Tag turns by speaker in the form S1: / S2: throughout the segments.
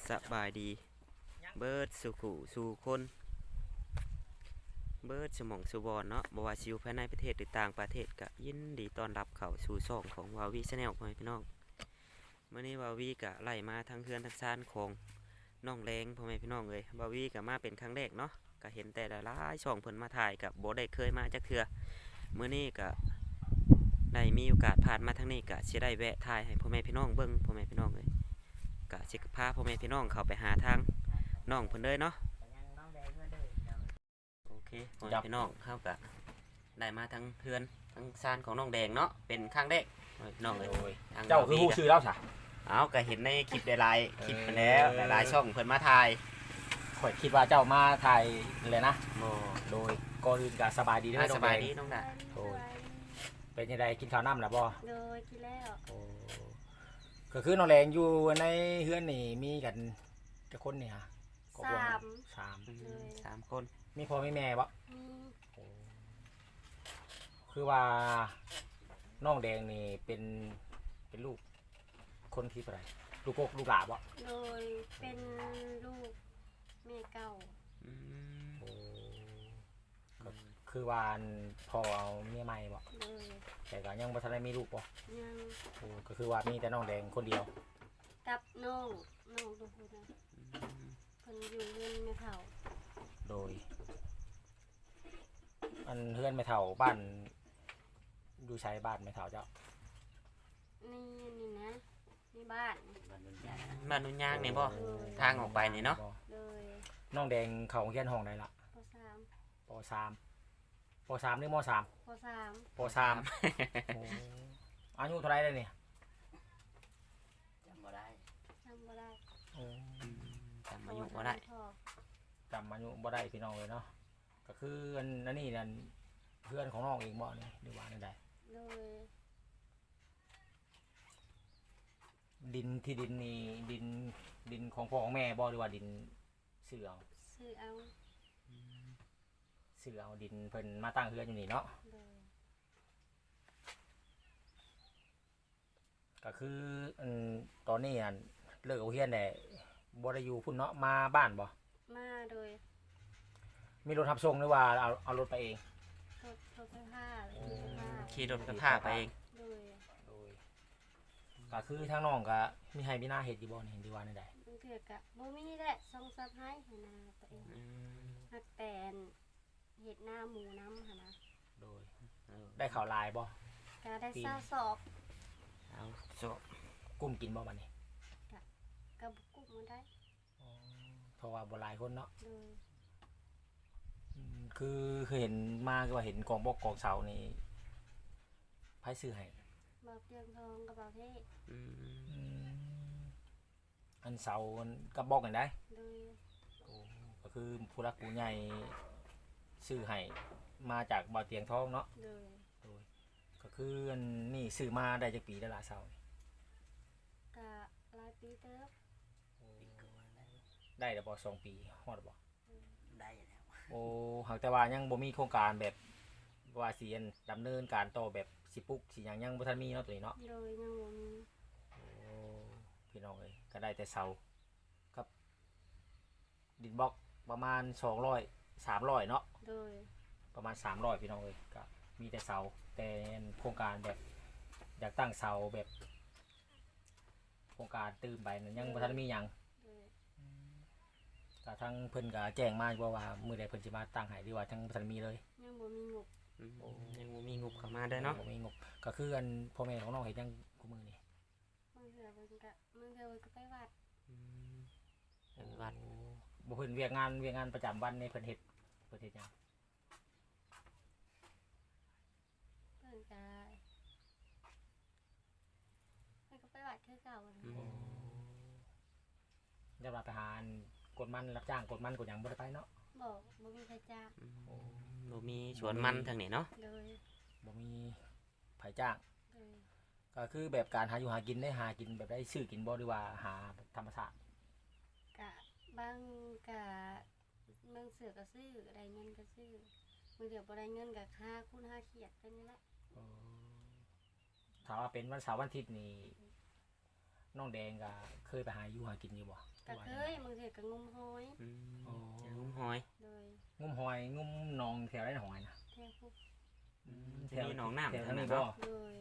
S1: สบายดีเบิร์ดสุขุสู่คนเบิร์ดสมองสุบอนเนาะบว่าซิวภายในประเทศหรือต่างประเทศก็ยินดีต้อนรับเข้าสู่ช่องของวาวีชาแนลพ่อแม่พี่น้องเมื่อนี้วาวีก็ไล่มาทั้งเฮือนทั้งซานของน้องแรงพ่อแม่พี่น้องเลยวาวีก็มาเป็นครั้งแรกเนาะก็เห็นแต่หลายช่องเพิ่นมาถ่ายกับโบได้เคยมาจักเทื่อเมื่อนี้ก็ได้มีโอกาสผ่านมาทางนี้ก็สิได้แวะถ่ายให้พ่อแม่พี่น้องเบิ่งพ่อแม่พี่น้องเลยก็สิพาพ่อแม่พี่น้องเข้าไปหาทางน้องเพิ่นเลยเนาะโอเคพ่อแม่พี่น้องเข้าก็ได้มาทั้งเฮือนทั้งซานของน้องแดงเนาะเป็นครั้งแรกพ่อแม่พี่น้องเลยทง
S2: เจ้าคือผู้ชื่อแล้วสะ
S1: เอาก็เห็นในคลิปหลายๆคลิปไปแล้วหลายๆช่องเพิ่นมาถ่าย
S2: ข่อยคิดว่าเจ้ามาถ่ายเลยนะ
S1: โอ้
S2: โดยก่อนอื่นก็สบายดีเด้อ
S1: ส
S2: น้อง
S1: บาย
S2: แดง
S1: ดีน้องดา
S2: โอ้ย เป็นยังไงกินข้าวน้ำแล้วบ่
S3: โดยกินแล้ว
S2: โอ้ก็คือน้องแดงอยู่ในเฮือนนี่มีกันจะคนเนี่ยก็บ่สาม
S1: 3 คน
S2: มีพ่อมีแม่บ่
S3: มี
S2: โอ้คือว่าน้องแดงนี่เป็นลูกคนที่เท่าไหร่ลูกกกลูกหลาบ่
S3: โดยเป็นลูกแม่เก่า
S1: อืม
S2: โอ้ก็คือว่าพ่อเอาเมียใหม่บ่
S3: โดย
S2: แต่ก็ยังบ่ทันได้มีลูกบ่
S3: ยัง
S2: โอ้ก็คือว่ามีแต่น้องแดงคนเดียว
S3: กับน้องทุกคนนะเพิ่นอยู่เรือนแม่เฒ่า
S2: โดยอันเฮือนไม่เท่าบ้านอยู่ใช้บ้านไม่เท่าเจ้า
S3: นี่นะนี่บ้าน
S1: บ้านนุ่นยางนี่บ่ทางออกไปนี่เนาะ
S3: โดย
S2: น้องแดงเขาเฮียนห้องใดล่ะ
S3: ป .3
S2: ป .3 หรือม .3
S3: ป .3
S2: ป .3 โอ้อายุเท่าไรเลยเนี่ย
S1: จำบ่ได้
S3: จำบ่ได้
S2: โอ้
S1: จำอายุบ่ได้
S2: จำอายุบ่ได้พี่น้องเลยเนาะก็คืออันนี้นั่นเพื่อนของน้องเองบ่นี่หรือว่านั่นใด
S3: โดย
S2: ดินที่ดินนี่ดินของพ่อของแม่บ่หรือว่าดินซื้อเอา
S3: ซื้อเอา
S2: ซื้อเอาดินเพิ่นมาตั้งเฮือนอยู่นี่เนาะ
S3: โดย
S2: ก็คือตอนนี้อันเลิกเอาเฮียนแต่บ่ได้อยู่พุ่นเนาะมาบ้านบ่
S3: มาโดย
S2: มีรถทับส่งหรือว่าเอารถไปเอง
S3: รถไฟฟ้ารถไฟฟ้า
S1: ขี่รถกระพาไปเอง
S3: โดย
S2: โดยก็คือทางน้องก็มีให้มีหน้าเฮ็ดอยู่บ่นี่เห็นดีว่าในใด
S3: บางเทื่อกะบ่มีแหละส่งซับให้หั่นนะตัวเอง
S1: อืม
S3: ฮักแตนเห็ดหน้าหมูน้ำค่ะนะ
S2: โดยได้ข่าวลายบ่
S3: ก็ได้ซาสอบ
S1: เอาโซะ
S2: กุ้มกินบ่บัดนี้
S3: กับกุ๊กมาได้
S2: เพราะว่าบ่หลายคนเนาะ
S3: โดย
S2: คือเห็นมาคือว่าเห็นกองบกกองเสานี่ไผซื้อให้
S3: บ่าวเตียงทองกับบ่าวเทศ
S1: อืม
S2: อันเสามันกับบอกกันได้
S3: โดย
S2: ก็คือผู้รักผู้ใหญ่ซื้อให้มาจากบ่อเตียงทองเนาะ
S3: โดย
S2: ก็คืออันนี่ซื้อมาได้จากปีได้ละเสานี่
S3: กะหลายปีเติบ
S2: ได้แต่บ่2 ปีฮอดบ่
S1: ได้แล้ว
S2: โอ้หากแต่ว่ายังบ่มีโครงการแบบว่าสิอันดำเนินการต่อแบบสิปลุกสิหยังยังบ่ทันมีเนาะตัวนี้เนาะ
S3: โดยยังบ่มี
S2: โอ้พี่น้องเอ้ยก็ได้แต่เสากับดินบล็อกประมาณ200 300เนาะ
S3: โดย
S2: ประมาณ300พี่น้องเอ้ยก็มีแต่เสาแต่โครงการแบบอยากตั้งเสาแบบโครงการตื่นไปนั้นยังบ่ทันมีหยัง
S3: โดย
S2: ก็ทั้งเพิ่นก็แจ้งมาอยู่ว่ามื้อใดเพิ่นสิมาตั้งให้หรือว่าทั้งบ่ทันมีเลย
S3: ยังบ่มีงบ
S1: อืมยังบ่มีงบเข้ามาได้เนาะ
S2: บ่มีงบก็คืออันพ่อแม่ของน้องเฮ็ดหยังกูมื้อนี้
S3: บางเทื่อเพิ่นก็บางเทื่อเพิ่นก็ไปวัด
S1: อืมเป็นวัด
S2: บ่เพิ่นเวียกงานประจำวันในเพิ่นเฮ็ดหยัง
S3: เพิ่นก็ไปวัดคือเก่านะ
S1: อืม
S2: จะรับไปหาอันกดมันรับจ้างกดมันกดหยังบ่ได้ไปเนาะ
S3: บ่มีใครจ้าง
S1: บ่มีสวนมันทางนี้เนาะ
S3: โดย
S2: บ่มีไผจ้าง
S3: โดย
S2: ก็คือแบบการหาอยู่หากินได้หากินแบบได้ซื้อกินบ่หรือว่าหาธรรมชาติ
S3: กะบางกะบางเสือก็ซื้อได้เงินก็ซื้อบางเดือบ่ได้เงินก็ค่าคูณค่าเขียดไปนี่แหละ
S2: ถ้าว่าเป็นวันเสาร์วันอาทิตย์นี่น้องแดงก็เคยไปหาอยู่หากินอยู่บ่
S3: ก็เคยบางเทื่อก็งมหอย
S1: อืม
S2: อ๋อ
S1: อย่างงุ้มหอย
S3: โดย
S2: งุ้มหอยงุ้มหนองแถวได้หอยนะ
S3: แท้พวก
S1: จะมีหนองน้ำ
S2: แถว
S1: ทาง
S2: นี้
S1: นั้น
S2: บ่
S1: เนาะ
S3: โดย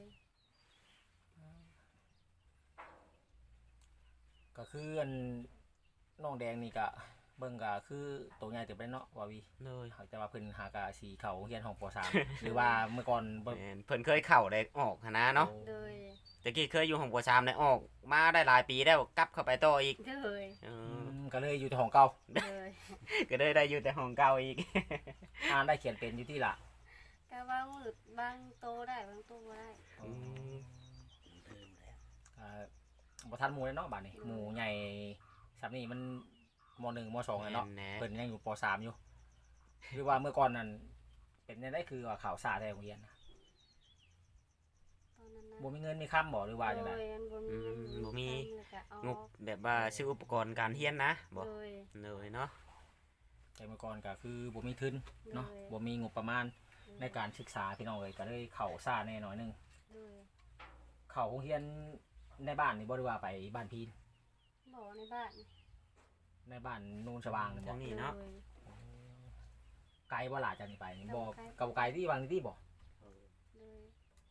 S2: ก็คืออันน้องแดงนี่ก็เบิ่งก็คือตัวใหญ่เติบได้เนาะว่าวี
S1: เลย
S2: เขาจะว่าเพิ่นหากะสีเขาเฮียนของป .3 หรือว่าเมื่อก่อนบ่
S1: แม่นเพิ่นเคยเข้าได้ออกหั้นนะเนาะ
S3: โดย
S1: ตะกี้เคยอยู่ของปชามได้ออกมาได้หลายปีแล้วกลับเข้าไปต่ออีก
S3: โดย
S1: เออ
S2: ก็เลยอยู่แต่ของเก่า
S3: โดย
S1: ก็ได้ได้อยู่แต่ของเก่าอีก
S2: อ่านได้เขียนเป็นอยู่ที่ละ
S3: ก็บางมือบางโตได้บางโตบ่ได้
S1: อืม
S2: บ่ทันหมู่เลยเนาะบัดนี้หมู่ใหญ่ซับนี่มันม .1 ม .2 แล้วเนาะ
S1: แน่
S2: เพิ่นยังอยู่ป .3 อยู่หรือว่าเมื่อก่อนนั้นเป็นจังได๋คือว่าข่าวสารในโรงเรียนนะ
S3: ตอนนั้นนะ
S2: บ่มีเงินมีคำบ่หรือว่าจังได๋
S3: โดยอันบ่มีเงิน
S1: บ่มี
S3: ใช้มือก็เอา
S1: งบแบบว่าซื้ออุปกรณ์การเรียนนะบ่
S3: โดย
S1: เลยเนาะ
S2: แต่เมื่อก่อนก็คือบ่มีทุนเนาะบ่มีงบประมาณในการศึกษาพี่น้องเอ้ยก็เลยเข้าซ่าแน่หน่อยหนึง
S3: โดย
S2: เข้าโรงเรียนในบ้านนี่บ่ได้ว่าไปบ้านพีน
S3: บ่ในบ้าน
S2: ในบ้านนูนสว่างนี่บ่
S1: ทางนี้เนาะ
S3: โดย
S2: ไกลบ่ล่ะจากนี่ไปนี่บ่
S3: ไกล
S2: กับไกลที่บางที่บ่
S3: โดย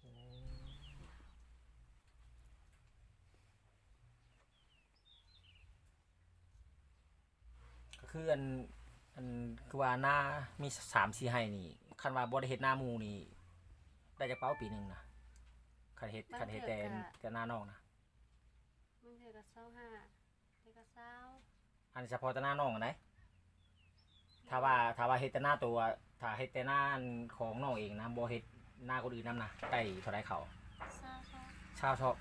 S2: ก็คืออันคือว่าหน้ามี3-4ไร่นี่คันว่าบ่ได้เฮ็ดหน้าหมู่นี่ได้จักเป้าปีหนึงนะคันเฮ็ดแต่หน้าน้องนะ
S3: มันเทื่อก็25แต่ก็20
S2: อันเฉพาะแต่หน้าน้องอันไหนถ้าว่าเฮ็ดแต่หน้าตัวถ้าเฮ็ดแต่หน้าของน้องเองนะบ่เฮ็ดหน้าคนอื่นนํนะได้เท่าใดเขา
S3: 20
S2: ชาวชอบ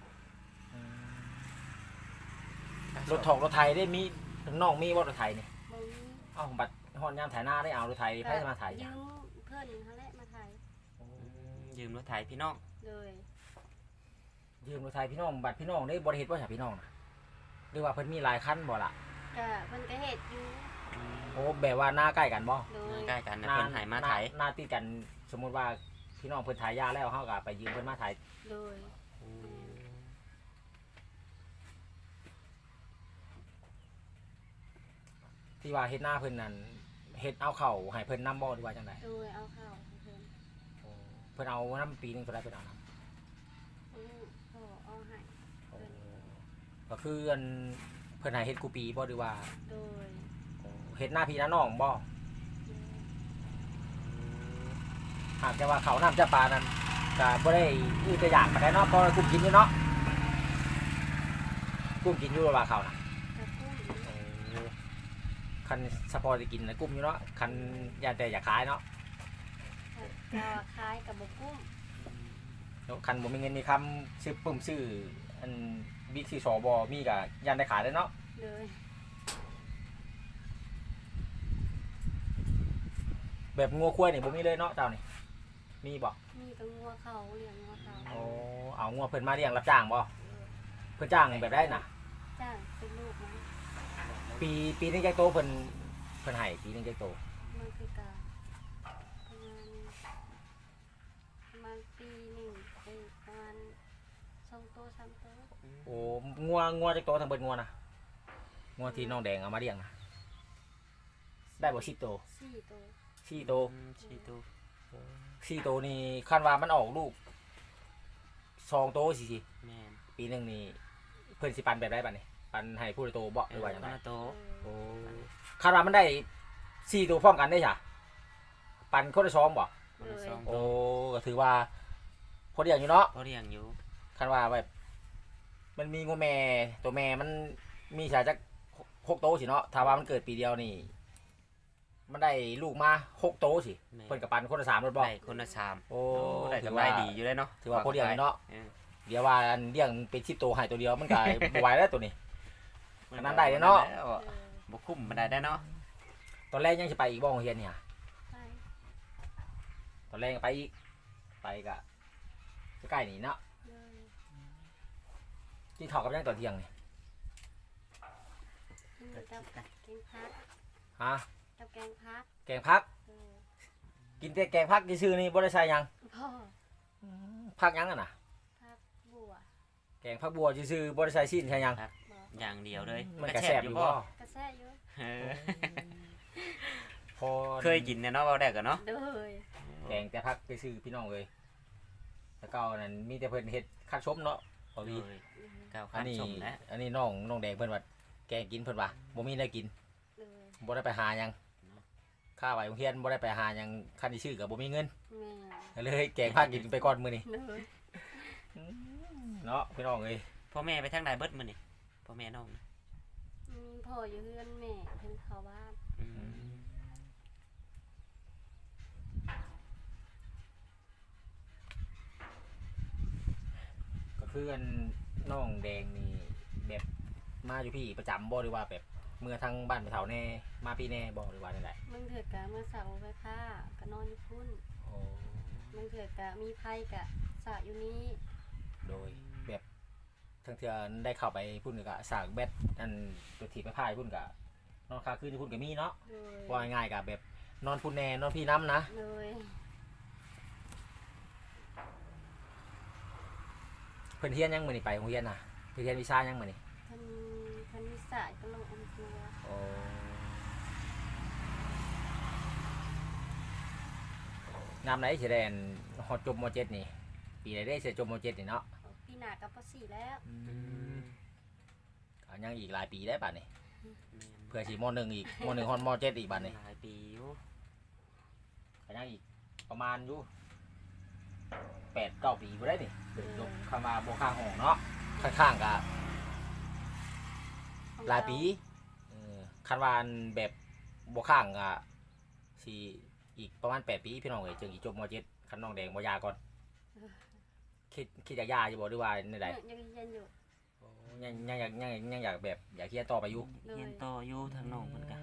S2: รถถอกรถไถได้มีน้องมีบ่รถไถนี่
S3: บ่มี
S2: เอ้าบัดฮอดยามไถนาได้เอารถไถไผจะมาไถ
S3: ยื
S2: จ้ะ
S3: มเพิ่นเขาแหละมาถ่าย
S1: ยืมรถไถพี่น้อง
S3: เลย
S2: ยืมรถไถพี่น้องบัดพี่น้องได้บ่ได้เฮ็ดบ่ใช่พี่น้องนะหรือว่าเพิ่นมีหลายคันบ่ล่ะ
S3: ก็เพิ่นก็เฮ็ดอยู่
S2: โอ้แบบว่าหน้าใกล้กันบ่
S3: โดย
S1: ใกล้กันนะเพิ่นให้มาไถ
S2: หน้าติดกันสมมุติว่าพี่น้องเพิ่นไถยาแล้วเฮาก็ไปยืมเพิ่นมาไถ
S3: โดย
S2: ที่ว่าเฮ็ดหน้าเพิ่นนั่นเฮ็ดเอาเข้าให้เพิ่นนำบ่หรือว่าจังได๋
S3: โดยเอาเข้าให้เพิ่น
S2: เพิ่นเอานำปีหนึงเท่าใดเพิ่นเอานำ
S3: พ่อเอาให้
S2: ก็คืออันเพิ่นให้เฮ็ดกูปีบ่หรือว่า
S3: โดย
S2: เฮ็ดหน้าพี่หน้าน้องบ่หากแต่ว่าเขาวน้ำจะปลานั้นก็บ่ได้อื้อแต่อย่างปานใดเนาะเพราะว่ากุ้งกินอยู่เนาะกุ้งกินอยู่ว่าเขาวน่ะ
S3: กระปุ้ง
S2: คันสปอร์ตกินนะกุ้งอยู่เนาะคันยาแต่อยากขายเนาะ
S3: ก็คล้ายกับบ่กุ้ง
S2: คันบ่มีเงินมีคำซื้อปุ่มซื้ออันบิ๊กซีสอบมีก็ยันได้ขายได้เนาะ
S3: เลย
S2: แบบงัวควายนี่บ่มีเลยเนาะเจ้านี่มีบ่
S3: มีแตัวงัวเขาเลี้ยงงัวเขา
S2: โอ้เอางัวเพิ่นมาเลี้ยงรับจ้างบ่เพิ่นจ้างแบบได้น่ะ
S3: จ้างเป็นลูกนะ
S2: ปีนึงจักโตเพิ่นให้ปีนึงจักโต
S3: มันคือการประมาณปีหนึ่งไปประมาณ2 โต 3 โต
S2: โอ้งัวจักโตทั้งเบิดงัวน่ะงัวที่น้องแดงเอามาเลี้ยงน่ะได้บ่10โต
S3: 4 โต
S2: 4โต
S1: ชีตู
S2: 4โตนี่คันว่ามันออกลูก2โตสิ
S1: แม่น
S2: ปีหนึงนี่เพิ่นสิปันแบบได้บัดนี้ปันให้ผู้ละโตบ่หรือว่าจัง
S1: ค
S2: ได
S1: นละโต
S2: โอ้คันว่ามันได้4โตพร้อมกันได้จ้ะปันคนละ2บ่
S1: คนละสองโต
S2: โอ้ก็ถือว่าพอเดียวอยู่เนาะ
S1: เขาเรียงอยู่
S2: คันว่าแบบมันมีงูแม่ตัวแม่มันมีสายจาก6โตสิเนาะถ้าว่ามันเกิดปีเดียวนี่มันได้ลูกมา6โตสิ
S1: แม่น
S2: เพิ่นกับปันคนละ3รถบ่
S1: ได้คนละสาม
S2: โอ้
S1: ได้
S2: ถือ
S1: กำไร
S2: ว่า
S1: ดีอยู่เลยเนาะ
S2: ถือว่าพอเดียวอยู่เนาะ
S1: เออ
S2: เดี๋ยวว่าอันเลี้ยงเป็น10โตให้ตัวเดียวมันก็ บ่ไหวแล้วตัวนี้ อันนั้นได้เลยเนาะ
S1: แล้ว
S3: เลย
S1: บ่คุ้มบ่ได้เนาะ
S2: ตอนแรกยังสิไปอีกบ่โรงเรียนเนี่ย
S3: ไป
S2: ตอนแรกก็ไปอีกไปก็ใกล้ๆนี่เนาะ
S3: เลย
S2: กินข้าวกับยังตอนเที่ยงนี่
S3: กินกับแกงพัก
S2: ฮะ
S3: กับแกงพัก
S2: แกงผัก
S3: เออ
S2: กินแต่แกงผักซื่อๆนี่บ่ได้ใส่หยัง
S3: พ่อ
S2: ผักหยังอ่ะน่ะ
S3: พักบัว
S2: แกกงผักบัวซื่อๆบ่ได้ใส่ซีนใช่หยัง
S3: บอก
S1: อย่างเดียวเลย
S2: มันก็แซ่บอยู่บ่
S3: กระแซ่อยู่
S1: เออ
S2: พอ
S1: เคยกินเนี่ยเนาะเว้าได้ก็เนาะ
S3: โดย
S2: แกงแต่ผักซื่อๆพี่น้องเลยแต่เก่านั้นมีแต่เพิ่นเฮ็ดคัดชมเนาะบ่มี
S1: โดยก้าว
S2: อั
S1: ข้าน ม
S2: นี้
S1: ชมนะ
S2: อันนี้น้องแดงเพิ่นว่าแกงกินเพิ่นว่าบ่มีได้กิน
S3: โดย
S2: บ่ได้ไปหาหยังค่าไว้โรงเรียนบ่ได้ไปหาหยังคันที่ชื่อก็บ่มีเงิน
S3: แม่
S2: ก็เลยแกงผักกินไปก่อนมื้อนี้
S3: โดย
S2: เนาะพี่น้องเอ้ย
S1: พ่อแม่ไปทางใดเบิดมื้อนี่พ่อแม่น้องนะ
S3: มีพ่ออยู่เฮือนแม่เพิ่นเข้าบ้าน
S1: อืม
S2: ก็คืออันน้องแดงนี่แบบมาอยู่พี่ประจำบ่หรือว่าแบบเมื่อทางบ้านไปเฒ่าแน่มาพี่แน่บ่หรือว่าจังได
S3: มึงเถิดกะเมื่อเสาร์ไปผ้าก็นอนอยู่พุ่น
S2: โอ้
S3: มึงเถิดกะมีไผกะสระอยู่นี้
S2: โดยแบบทั้งเทื่อได้เข้าไปพุ่นก็สร้างแบตอันตัวถีบไปพายพุ่นก็นอนค้างคืนอยู่พุ่นก็มีเนาะ
S3: โดย
S2: ว่าง่ายๆก็แบบนอนพุ่นแน่นอนพี่น้ำนะ
S3: โดย
S2: เพิ่นเฮียนยังมื้อนี้ไปโรงเรียนน่ะเพิ่นเฮียนวิชายังมื้อนี้
S3: เพิ่นมีสระก็ลงอันตัว
S2: โอ้งามไหนสิได้อันฮอดจบม .7 นี่ปีใดได้สิจบม .7 นี่เนาะ
S3: ปีหน้าก็ป .4 แล้ว
S2: ก็ยังอีกหลายปีได้บัดนี้
S1: แม่น
S2: เพื่อสิม .1 อีกม .1 ฮอดม .7 อีกบัดนี้
S1: หลายปีอยู่
S2: ก็ยังอีกประมาณอยู่8-9 ปีบ่ได้นี่ยกคำว่าบ่ข้างห้องเนาะข้างๆก็หลายปีคันว่าอันแบบบ่ข้างก็สิอีกประมาณ8 ปีพี่น้องเอ้ยจึงสิจบม .7 คันน้องแดงบ่ยาก่อนคิดอยากยาอยู่บ่หรือว่าในใด
S3: ยังเรียนอยู่
S2: ยังอยากแบบอยากเรียนต่อไปอยู่
S3: เลย
S1: เรียนต่ออยู่ทางน้องเพิ่นก็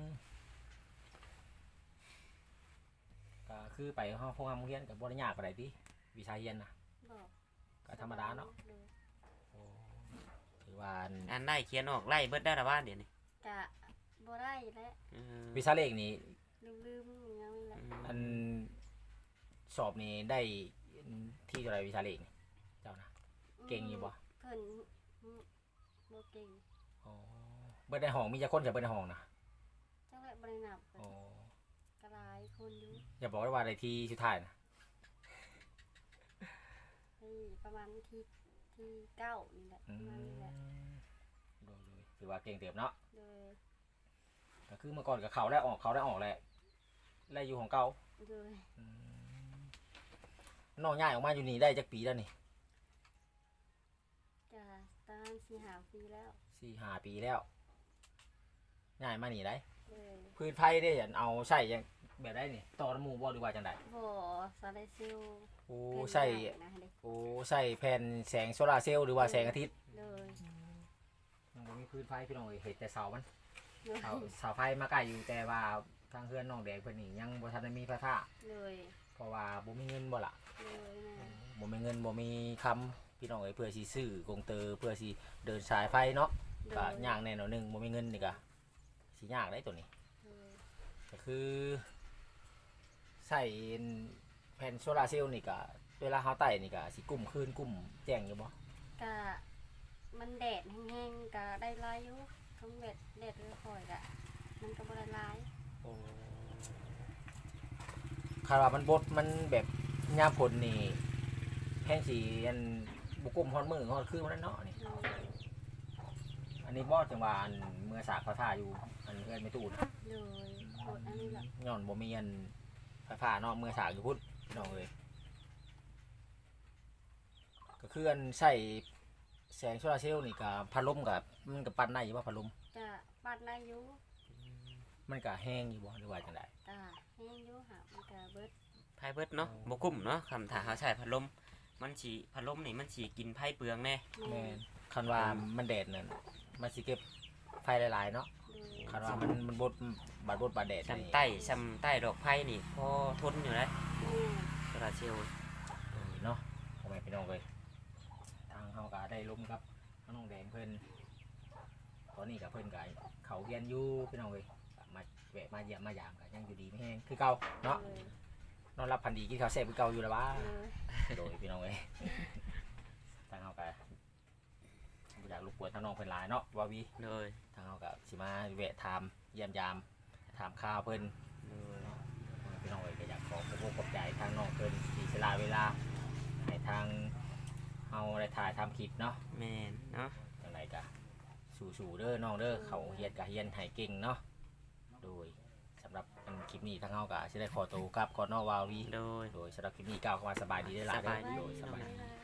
S2: ก็คือไปห้องโรงเรียนก็บ่ได้ยากปานใดติวิชาเรียนน่ะ
S3: บอก
S2: ก็ธรรมดาเนาะ
S3: เลย
S2: ถือว่าอัน
S1: อ่านได้เขียนออกไล่เบิดได้ละบ้านเดี๋ยวนี้
S3: กะบ่ได้แล้ว
S1: เออ
S2: วิชาเลขนี่
S3: ลืมๆยังนี่แหละ
S2: อันสอบนี่ได้ที่เท่าไหร่วิชาเลขนี่เจ้านะ เก่งอยู่บ่
S3: เพิ่นบ่เก่ง
S2: อ๋อเบิดในห้องมีจักคนจะเบิดในห้องนะ
S3: จังแหละบ่ได้นับเพิ่น
S2: อ๋อก
S3: ะหลายคนอยู่
S2: อย่าบอกว่าได้ที่สุดท้ายนะ
S3: ที่ประมาณที่9นี่แหละประมาณนี้แหละ
S2: โดยถือว่าเก่งเต็มเนาะ
S3: โดย
S2: ก็คือเมื่อก่อนกับเขาได้ออกแหละไล่อยู่ของเก่า
S3: โดย
S2: น้องย้ายออกมาอยู่นี่ได้จักปีแล้วนี่
S3: กะตาม4-5 ปีแล้ว
S2: 4-5 ปีแล้วย้ายมานี่ได้
S3: เลย
S2: พื้นไฟได้เห็นเอาใส่ยังแบบได้นี่ต่อน้ำหมูบ่หรือว่าจังได
S3: บ่ซาไดซิล
S2: โอ้
S3: เป็น
S2: ใส่
S3: นะเด้
S2: โอ้ใส่แผ่นแสงโซลาร์เซลล์หรือว่าแสงอาทิตย์
S3: เลย
S2: ยังบ่มีพื้นไฟพี่น้องเอ้ยเห็นแต่เสามัน
S3: เลย
S2: เสาไฟมาใกล้อยู่แต่ว่าทางเพื่อนน้องแดงเพิ่นนี่ยังบ่ทันได้มีไฟฟ้า
S3: เลย
S2: เพราะว่าบ่มีเงินบ่ล่ะ
S3: เลยนะ
S2: บ่มีเงินบ่มีคำพี่น้องเอ้ยเพื่อสิซื้อกงเตอร์เพื่อสิเดินสายไฟเนาะ
S3: เล
S2: ก็
S3: ย
S2: ยากแน่นอนหนึงบ่มีเงินนี่ก็สิยากได้ตัวนี้
S3: เลย
S2: ก็คือใส่แผ่นโซลาร์เซลล์นี่ก็เวลาเฮาไต่นี่ก็สิกุ่มคืนกุ่มแจ้งอยู่บ่
S3: กะมันแดดแห้งๆกะได้หลายอยู่ทั้งแดดค่อยๆกะมันก็บ่ได้หลาย
S2: คาดว่ามันบดมันแบบยามฝนนี่แห้งสิอันบ่กุ่มฮอดมือฮอดคืนมันเนาะนี่
S3: เลย
S2: อันนี้บ่จังว่าอันเมื่อสากไฟฟ้าอยู่อันเอื้อนไม่ตู้นะ
S3: เลยกดอันนี้แหละ
S2: ย้อนบ่มีอันไฟฟ้าเนาะเมื่อสากอยู่พุ่นพี่น้องเอ้ยก็คืออันใช้แสงโซลาร์เซลล์นี่ก็พัดลมก็มันก็ปั่นได้อยู่ว่าพัดลม
S3: กะปัดได้อยู่
S2: มันก็แห้งอยู่บ่หรือว่าจังได๋
S3: กะแห้งอยู่หามันกะเบิด
S1: ไพ่เบิดเนาะบ่กุ้มเนาะคำถามเขาใช้พัดลมมันสิพัดลมนี่มันสิกินไพ่เปลืองแน่
S2: แม่นคันว่ามันแดดนั่นมันสิเก็บไฟหลายๆเนาะ
S3: เลย
S2: คันว่ามันบดบาดแดด
S1: ซ้ำ
S2: นี่
S1: ซ้ำใต้ดอกไผ่นี่พอทนอยู่นะ
S3: แม่
S1: โซลาร์เซลล์
S2: เนาะพ่อแม่พี่น้องเอ้ยทางเฮาก็ได้ล้มกับน้องแดงเพิ่นตอนนี้ก็เพิ่นก็เขาเรียนอยู่พี่น้องเอ้ยก็มาแวะมาเยี่ยมมายามก็ยังอยู่ดีไม่แห้งคือเก่าเนาะ
S3: เลย
S2: นอนรับพันดีกินข้าวแซ่บคือเก่าอยู่แล้วบ้า
S3: เลย
S2: โดยพี่น้องเอ้ยทางเฮาก็วนทางน้องเพิ่นหลายเนาะว่าวี
S1: โดย
S2: ทางเฮาก็สิมาแวะถามเยี่ยมยามถามข่าวเพิ่น
S1: โดย
S2: พี่น้องเอ้ยก็อยากขอขอบใจทางน้องเพิ่นที่สละเวลาให้ทางเฮาได้ถ่ายทำคลิปเนาะ
S1: แม่นเนาะ
S2: จังไดก็สู้ๆเด้อน้องเด้อเขาเฮียนก็เฮียนให้เก่งเนาะโดยสำหรับคลิปนี้ทางเฮาก็สิได้ขอตัวกลับก่อนเนาะวาวี
S1: โดย
S2: โดยสำหรับคลิปนี้ก้าวเข้ามาสบายดีได้อหลาย
S1: สบายดี
S2: โดยสบายดี
S3: ค่ะ